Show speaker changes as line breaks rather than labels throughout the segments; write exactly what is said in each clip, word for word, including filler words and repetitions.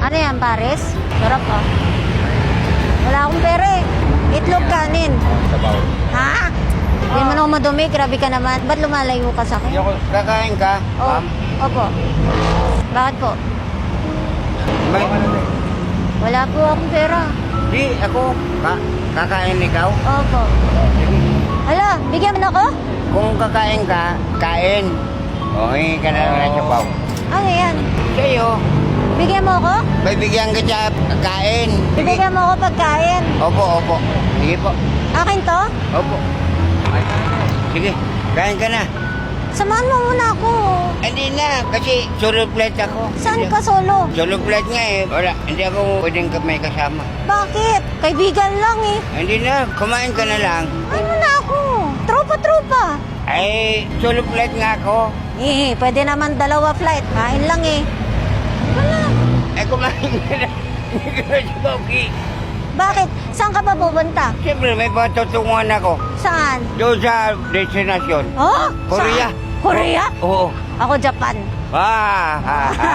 Ano yan, pares? Sarap ah. Wala akong pera eh. Itlog kanin.
Sabaw.
Ha? Hindi mo na ako madumi, grabe ka naman. Ba't lumalayo ka sa akin?
Hindi ako, kakain ka,
Oh,
ma'am?
opo. Bakit po?
May,
Wala po akong pera.
di, ako, ka, kakain ikaw?
Opo. Hala, bigyan mo na ako?
Kung kakain ka, kain. O, hingi ka na lang ng sabaw.
Ano yan?
Sa'yo,
Bigyan mo ako?
bibigyan kita kain. Sige.
Bigyan mo ako pagkain.
Opo, opo. Sige po.
Akin to?
Opo. Ay, sige, kain ka na.
Samahan mo muna ako.
Hindi na, kasi solo flight ako.
Saan ka solo?
Solo flight nga eh. Wala, hindi ako pwedeng ka- may kasama.
Bakit? Kaibigan lang eh.
Hindi na, kumain ka na lang.
Ay mo na ako. Tropa-tropa.
Ay, solo flight nga ako.
Eh, pwede naman dalawa flight. Kain lang eh. Wala.
Ay, kumain ka na. Hindi ka na sumoki.
Bakit? Saan ka pa pupunta?
Siyempre, may patutunguhan ako.
Saan?
Doon sa destinasyon.
Oh?
Korea.
Saan? Korea?
Oo.
Ako Japan.
Ah, ha, ha.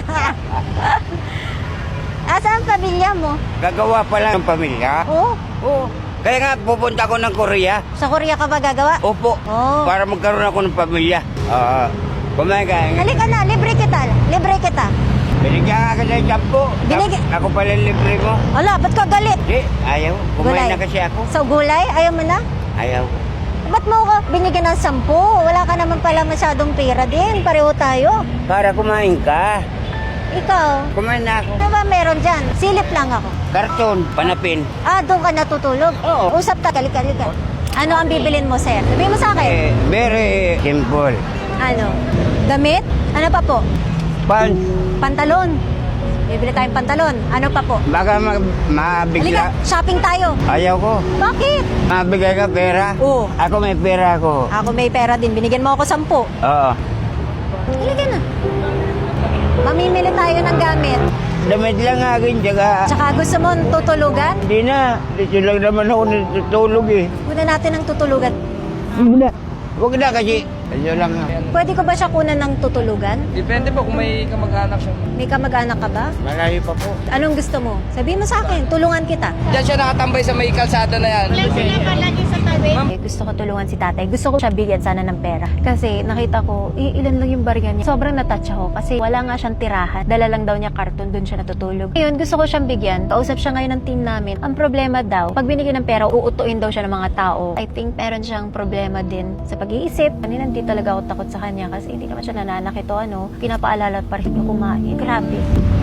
Asan ang pamilya mo?
Gagawa pa lang ng pamilya.
Oh?
Oo. Kaya nga, pupunta ako ng Korea.
Sa Korea ka ba gagawa?
Opo.
Oh.
Para magkaroon ako ng pamilya. Ah, kumain ka.
Halika na, libre kita. Libre kita.
Binigyan ka kasi ng sampo.
Binig-
Ako pala libre mo.
Wala, ba't ka galit?
Di, ayaw. Kumain na kasi ako.
So, gulay? Ayaw mo na?
Ayaw.
Ba't mo ako binigyan ng sampu? Wala ka naman pala masyadong pera din. Pareho tayo.
Para kumain ka.
Ikaw,
Kumain na ako.
ano ba meron dyan? Silip lang ako.
Karton, panapin.
Ah, doon ka natutulog?
Oo.
Usap ka, kalika-kalika. Ano ang bibilin mo, sir? Sabihin mo sa akin.
Eh, very simple.
Ano? Damit? Ano pa po?
Pants.
Pantalon. Bibili tayong pantalon. Ano pa po?
Baka ma mabigla.
Halika, shopping tayo.
Ayaw ko.
Bakit?
Mabigay ka pera?
Oo.
Ako may pera ako.
Ako may pera din. Binigyan mo ako sampu.
Oo.
Halika na. Mamimili tayo ng gamit.
Damit lang akin, tsaka...
Tsaka gusto mo tutulugan?
Hindi na. Dito lang naman ako natutulog eh.
Muna natin ng tutulugan.
Hindi na. Huwag na kasi. Ito lang.
Pwede ko ba siya kunan ng tutulugan?
Depende po kung may kamag-anak siya.
May kamag-anak ka ba?
Malayo pa po.
Anong gusto mo? Sabihin mo sa akin, tulungan kita.
Diyan siya nakatambay sa may kalsada na yan.
Eh, gusto ko tulungan si tatay. Gusto ko siya bigyan sana ng pera. Kasi nakita ko, eh, ilan lang yung barya niya. Sobrang natouch ako kasi wala nga siyang tirahan. Dala lang daw niya karton, dun siya natutulog. Ngayon, gusto ko siyang bigyan. Kausap siya ngayon ng team namin. Ang problema daw, pag binigyan ng pera, uutuin daw siya ng mga tao. I think meron siyang problema din sa pag-iisip. Kanina hindi talaga ako takot sa kanya kasi hindi naman siya nananakit o ano. Pinapaalala pa rin niya kumain. Grabe.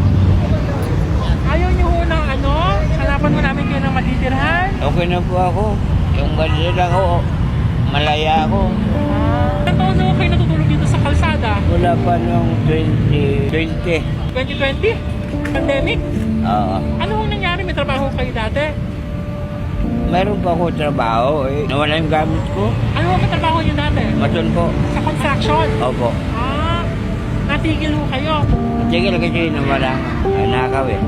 Ayaw niyo ho ng ano? Hanapan mo namin kayo ng matitirhan?
Okay na po ako. Yung ganito lang ako. Malaya ako.
Ilang taon na ho kayo natutulog dito sa kalsada?
Wala pa nung twenty twenty.
twenty twenty? Pandemic?
Oo.
Ano ho nangyari? May trabaho kayo dati?
Meron pa ako trabaho eh. Nawala yung gamit ko.
Ano ho ang trabaho niyo dati?
Maton po.
Sa construction?
Opo.
Ah, natigil ho kayo.
Sige lang kasi nawala. Ay, nakaw eh.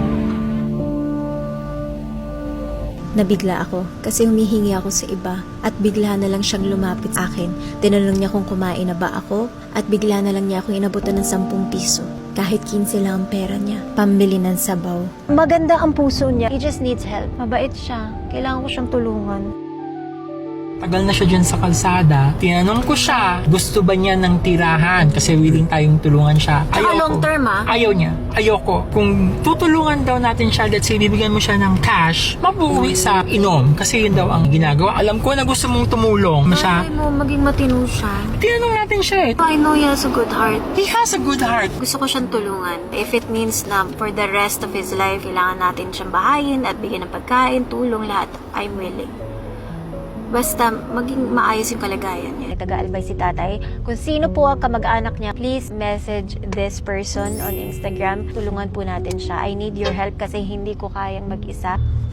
Nabigla ako kasi humihingi ako sa iba at bigla na lang siyang lumapit sa akin. Tinanong niya kung kumain na ba ako at bigla na lang niya akong inabutan ng sampung piso. Kahit kinse lang ang pera niya, pambili ng sabaw.
Maganda ang puso niya. He just needs help. Mabait siya. Kailangan ko siyang tulungan.
Tagal na siya dyan sa kalsada. Tinanong ko siya, gusto ba niya ng tirahan? Kasi willing tayong tulungan siya.
Saka long term, ah?
Ayaw niya. Ayoko. Kung tutulungan daw natin siya, let's say, bibigyan mo siya ng cash, mabuwi sa inom. Kasi yun daw ang ginagawa. Alam ko na gusto mong tumulong siya.
Ay mo, maging matino siya.
Tinanong natin siya eh.
I know he has a good heart.
He has a good heart.
Gusto ko siyang tulungan. If it means na for the rest of his life, kailangan natin siyang bahayin at bigyan ng pagkain, tulong, lahat, I'm willing. Basta maging maayos yung kalagayan niya.
Nag-aalbay si tatay. Kung sino po ang kamag-anak niya, please message this person on Instagram. Tulungan po natin siya. I need your help kasi hindi ko kayang mag-isa.